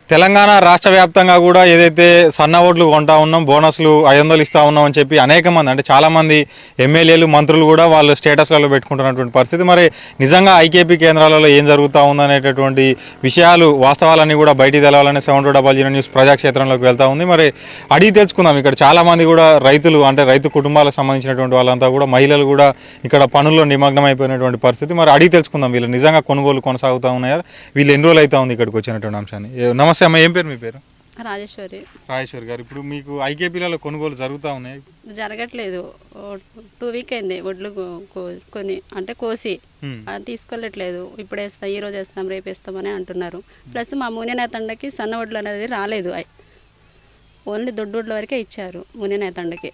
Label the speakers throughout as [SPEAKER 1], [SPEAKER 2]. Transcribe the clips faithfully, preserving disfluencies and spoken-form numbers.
[SPEAKER 1] తెలంగాణ రాష్ట్ర వ్యాప్తంగా కూడా ఏదైతే సన్న ఓట్లు కొంటా ఉన్నాం, బోనస్లు ఐదు వందలు ఇస్తా ఉన్నాం అని చెప్పి అనేక మంది అంటే చాలామంది ఎమ్మెల్యేలు మంత్రులు కూడా వాళ్ళు స్టేటస్లలో పెట్టుకుంటున్నటువంటి పరిస్థితి. మరి నిజంగా ఐకేపీ కేంద్రాలలో ఏం జరుగుతూ ఉందనేటటువంటి విషయాలు వాస్తవాలన్నీ కూడా బయటికి తెలవాలని seven two double zero news ప్రజాక్షేత్రంలోకి వెళ్తూ ఉంది. మరి అడిగి తెలుసుకుందాం. ఇక్కడ చాలామంది కూడా రైతులు అంటే రైతు కుటుంబాలకు సంబంధించినటువంటి వాళ్ళంతా కూడా మహిళలు కూడా ఇక్కడ పనుల్లో నిమగ్నం అయిపోయినటువంటి పరిస్థితి. మరి అడిగి తెలుసుకుందాం వీళ్ళు నిజంగా కొనుగోలు కొనసాగుతూ ఉన్నాయా, వీళ్ళు ఎన్ని రోజులు అవుతా ఉంది ఇక్కడికి వచ్చినటువంటి అంశాన్ని. నమస్తే అమ్మ, ఏం పేరు మీ పేరు?
[SPEAKER 2] రాజేశ్వరి.
[SPEAKER 1] రాజేశ్వరి గారు, ఇప్పుడు మీకు ఐకేపీలలో కొనుగోలు జరుగుతూ ఉన్నాయి?
[SPEAKER 2] జరగట్లేదు. టూ వీక్ అయింది వడ్లు కొని అంటే కోసి తీసుకోలేట్లేదు. ఇప్పుడు వేస్తాం, ఈ రోజు వేస్తాం, రేపు వేస్తామని అంటున్నారు. ప్లస్ మా మునినేతండకి సన్న వడ్లు అనేది రాలేదు, ఓన్లీ దొడ్డు వడ్ల వరకే ఇచ్చారు మునినేతండకి.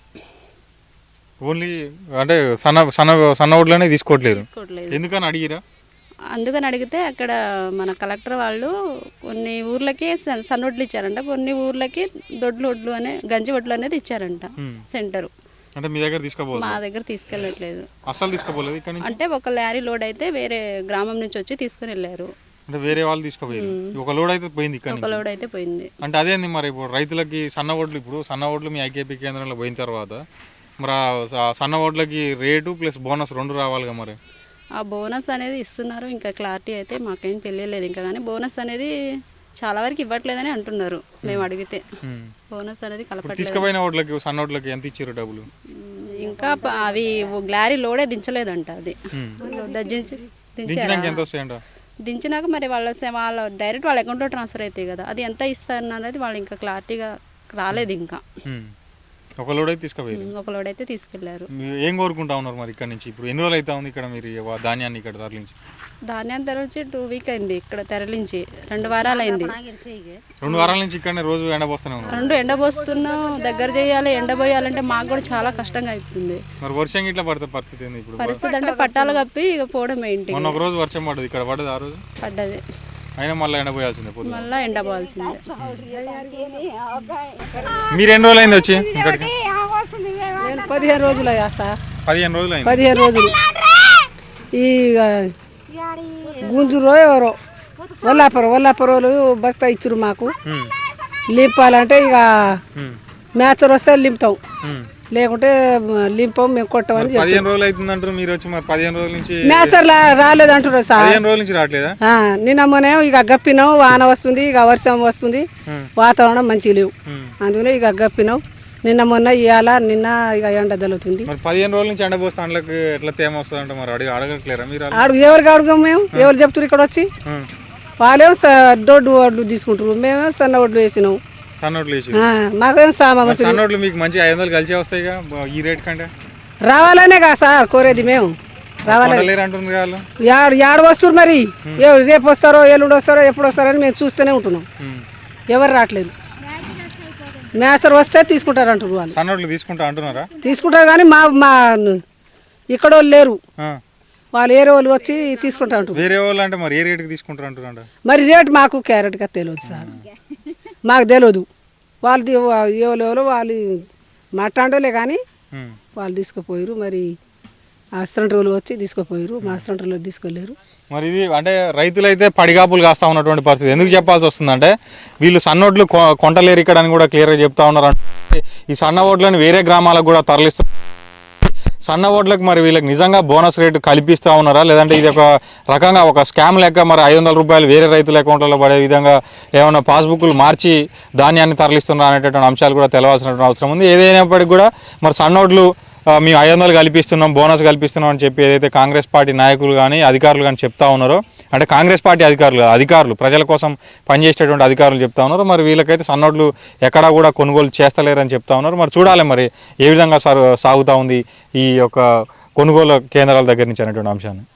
[SPEAKER 1] ఓన్లీ అంటే సన్న సన్న సన్న వడ్లనే తీసుకోవట్లేదు, ఎందుకని అడిగిరా?
[SPEAKER 2] అందుకని అడిగితే అక్కడ మన కలెక్టర్ వాళ్ళు కొన్ని ఊర్లకి సన్నొడ్లు ఇచ్చారంట, కొన్ని ఊర్లకి దొడ్లు వడ్లు అనే గంజి వడ్లు అనేది ఇచ్చారంట సెంటరు.
[SPEAKER 1] అంటే మీ దగ్గర తీసుకోపోలేదు?
[SPEAKER 2] మా దగ్గర తీసుకెళ్ళట్లేదు,
[SPEAKER 1] అసలు తీసుకోపోలేదు. ఇక్కడ
[SPEAKER 2] అంటే ఒక లారీ లోడ్ అయితే వేరే గ్రామం నుంచి వచ్చి తీసుకుని వెళ్ళారు.
[SPEAKER 1] అంటే వేరే వాళ్ళు తీసుకుపోయారు, ఒక లోడ్ అయితే పోయింది, ఇక్కడ
[SPEAKER 2] ఒక లోడ్ అయితే పోయింది.
[SPEAKER 1] అంటే అదేంది మరి ఇప్పుడు రైతులకి సన్న వడ్లు, ఇప్పుడు సన్న వడ్లు మీ ఐకేపీ కేంద్రంలో పోయిన తర్వాత మరి సన్న వడ్లకి రేటు ప్లస్ బోనస్ రెండు రావాలిగా, మరి
[SPEAKER 2] ఆ బోనస్ అనేది ఇస్తున్నారు, ఇంకా క్లారిటీ అయితే మాకేం తెలియలేదు ఇంకా. కానీ బోనస్ అనేది చాలా వరకు ఇవ్వట్లేదని అంటున్నారు మేము అడిగితే. బోనస్ అనేది కలపట్లేదు.
[SPEAKER 1] తీసుకుపోయిన ఓట్లకి సన్న ఓట్లకి ఎంత ఇచ్చారు డబ్బులు?
[SPEAKER 2] ఇంకా అవి గ్లారీ లోడే దించలేదంట, అది దించి దించారు. దించినాక మరి వాళ్ళ వాళ్ళ డైరెక్ట్ వాళ్ళ అకౌంట్లో ట్రాన్స్ఫర్ అవుతాయి కదా, అది ఎంత ఇస్తారు అనేది వాళ్ళు ఇంకా క్లారిటీగా రాలేదు ఇంకా.
[SPEAKER 1] ఒక లోడ్ అయితే తీసుకుపోయారు,
[SPEAKER 2] ఒక లోడ్ అయితే తీసుకెళ్లారు.
[SPEAKER 1] ఏం కోరుకుంటా ఉన్నారు మరి ఇక్కడ నుంచి? ఇప్పుడు ఎన్ని రోజులు అయితే ఉంది ఇక్కడ మీరు ధాన్యాన్ని ఇక్కడ తరలించి?
[SPEAKER 2] ధాన్యాన్ని తరలించి టూ వీక్ అయింది ఇక్కడ తరలించి, రెండు వారాలు అయింది.
[SPEAKER 1] రెండు వారాల నుంచి ఇక్కడ రోజు ఎండబోస్తూనే ఉన్నారు.
[SPEAKER 2] రెండు ఎండబోస్తున్నాం, దగ్గర చేయాలి, ఎండబోయాలంటే మాకు కూడా చాలా కష్టంగా అవుతుంది.
[SPEAKER 1] మరి వర్షం ఇట్లా పడితే పరిస్థితి ఏంది ఇప్పుడు?
[SPEAKER 2] పరిస్థితి అంటే పట్టాలు కప్పి ఇక పోవడం ఏంటి.
[SPEAKER 1] మొన్న ఒక రోజు వర్షం పడ్డది, ఇక్కడ పడ్డది, ఆ రోజు పడ్డది, అయినా మళ్ళీ ఎండపోయాల్సిందే,
[SPEAKER 2] మళ్ళీ ఎండపోవాల్సిందే.
[SPEAKER 1] మీరు ఎన్ని రోజులు అయింది వచ్చి ఇక్కడికి?
[SPEAKER 3] నేను పదిహేను రోజులు అయ్యా సార్.
[SPEAKER 1] పదిహేను రోజులు అయింది.
[SPEAKER 3] పదిహేను రోజులు ఈ గుంజురో ఎవరో వల్లాపురం వల్లాపురోలు బస్తా ఇచ్చారు మాకు. లింపాలంటే ఇక మ్యాచర్ వస్తే లింపుతాం, లేకుంటే లింపం మేము కొట్టమని.
[SPEAKER 1] పదిహేను రోజులు అవుతుంది అంటారు మీరు వచ్చి, మరి పదిహేను రోజుల నుంచి
[SPEAKER 3] మ్యాచర్ రాలేదు అంటారు సార్.
[SPEAKER 1] పదిహేను రోజుల నుంచి రావట్లేదా?
[SPEAKER 3] నిన్న మొన్న ఇక గప్పినాం, వాన వస్తుంది, ఇక వర్షం వస్తుంది, వాతావరణం మంచిగా లేవు, అందుకనే ఇక గప్పినాం. నిన్న మొన్న ఇవాళ నిన్న ఇక ఎండ తగులుతుంది.
[SPEAKER 1] పదిహేను రోజుల నుంచి ఎండ పోస్తే అందులోకి ఎట్లా తేమ వస్తుంది అంటే మరి అడిగి అడగట్లేరా మీరు?
[SPEAKER 3] అడుగు ఎవరికి అడుగు, మేము ఎవరు చెప్తారు ఇక్కడ వచ్చి? వాళ్ళేమో దొడ్డు వడ్లు తీసుకుంటారు, మేమేమో సన్న వడ్లు వేసినాం.
[SPEAKER 1] సన్నోట్లు వేసి
[SPEAKER 3] మాకేం సామాన్
[SPEAKER 1] సన్నోట్లు మీకు మంచి ఐదు వందలు కలిసి వస్తాయి ఈ రేట్ కంటే.
[SPEAKER 3] రావాలనే కదా సార్ కోరేది, మేము రావాలి. యాడు యాడు వస్తారు మరి, రేపు వస్తారో ఎల్లుండి వస్తారో ఎప్పుడు వస్తారో అని మేము చూస్తూనే ఉంటున్నాం, ఎవరు రావట్లేదు. మేసర్ వస్తే తీసుకుంటారు అంటారు వాళ్ళు.
[SPEAKER 1] సన్నోట్లు తీసుకుంటా అంటున్నారా?
[SPEAKER 3] తీసుకుంటారు కానీ మా మా ఇక్కడ వాళ్ళు లేరు, వాళ్ళు వేరే వాళ్ళు వచ్చి తీసుకుంటా అంటారు.
[SPEAKER 1] వేరే వాళ్ళు అంటే మరి ఏ రేటుకి తీసుకుంటారు అంటారు?
[SPEAKER 3] మరి రేటు మాకు క్యారెట్గా తెలియదు సార్, మాకు తెలియదు. వాళ్ళు ఎవరు ఎవరో వాళ్ళు మాట్లాడలే కానీ వాళ్ళు తీసుకుపోయారు. మరి ఆ సెంటర్లు వచ్చి తీసుకుపోయారు, మా సెంటర్లో తీసుకెళ్ళారు.
[SPEAKER 1] మరి ఇది అంటే రైతులైతే పడిగాపులు కాస్తా ఉన్నటువంటి పరిస్థితి. ఎందుకు చెప్పాల్సి వస్తుందంటే వీళ్ళు సన్నోడ్లు కొంటలేరు ఇక్కడ అని కూడా క్లియర్గా చెప్తా ఉన్నారు. అంటే ఈ సన్న ఓట్లను వేరే గ్రామాలకు కూడా తరలిస్తూ సన్న ఓట్లకు మరి వీళ్ళకి నిజంగా బోనస్ రేటు కల్పిస్తూ ఉన్నారా, లేదంటే ఇది ఒక రకంగా ఒక స్కామ్ లెక్క మరి ఐదు వందల రూపాయలు వేరే రైతుల అకౌంట్లలో పడే విధంగా ఏమైనా పాస్బుక్లు మార్చి ధాన్యాన్ని తరలిస్తున్నారా అనేటటువంటి అంశాలు కూడా తెలవాల్సినటువంటి అవసరం ఉంది. ఏదైనప్పటికీ కూడా మరి సన్నోడ్లు మేము ఐదు వందలు కల్పిస్తున్నాం, బోనస్ కల్పిస్తున్నాం అని చెప్పి ఏదైతే కాంగ్రెస్ పార్టీ నాయకులు కానీ అధికారులు కానీ చెప్తా ఉన్నారో, అంటే కాంగ్రెస్ పార్టీ అధికారులు అధికారులు ప్రజల కోసం పనిచేసేటువంటి అధికారులు చెప్తా ఉన్నారు. మరి వీళ్ళకైతే సన్నోడ్లు ఎక్కడా కూడా కొనుగోలు చేస్తలేరని చెప్తా ఉన్నారు. మరి చూడాలి మరి ఏ విధంగా సాగుతూ ఉంది ఈ యొక్క కొనుగోలు కేంద్రాల దగ్గర నుంచి అనేటువంటి అంశాన్ని.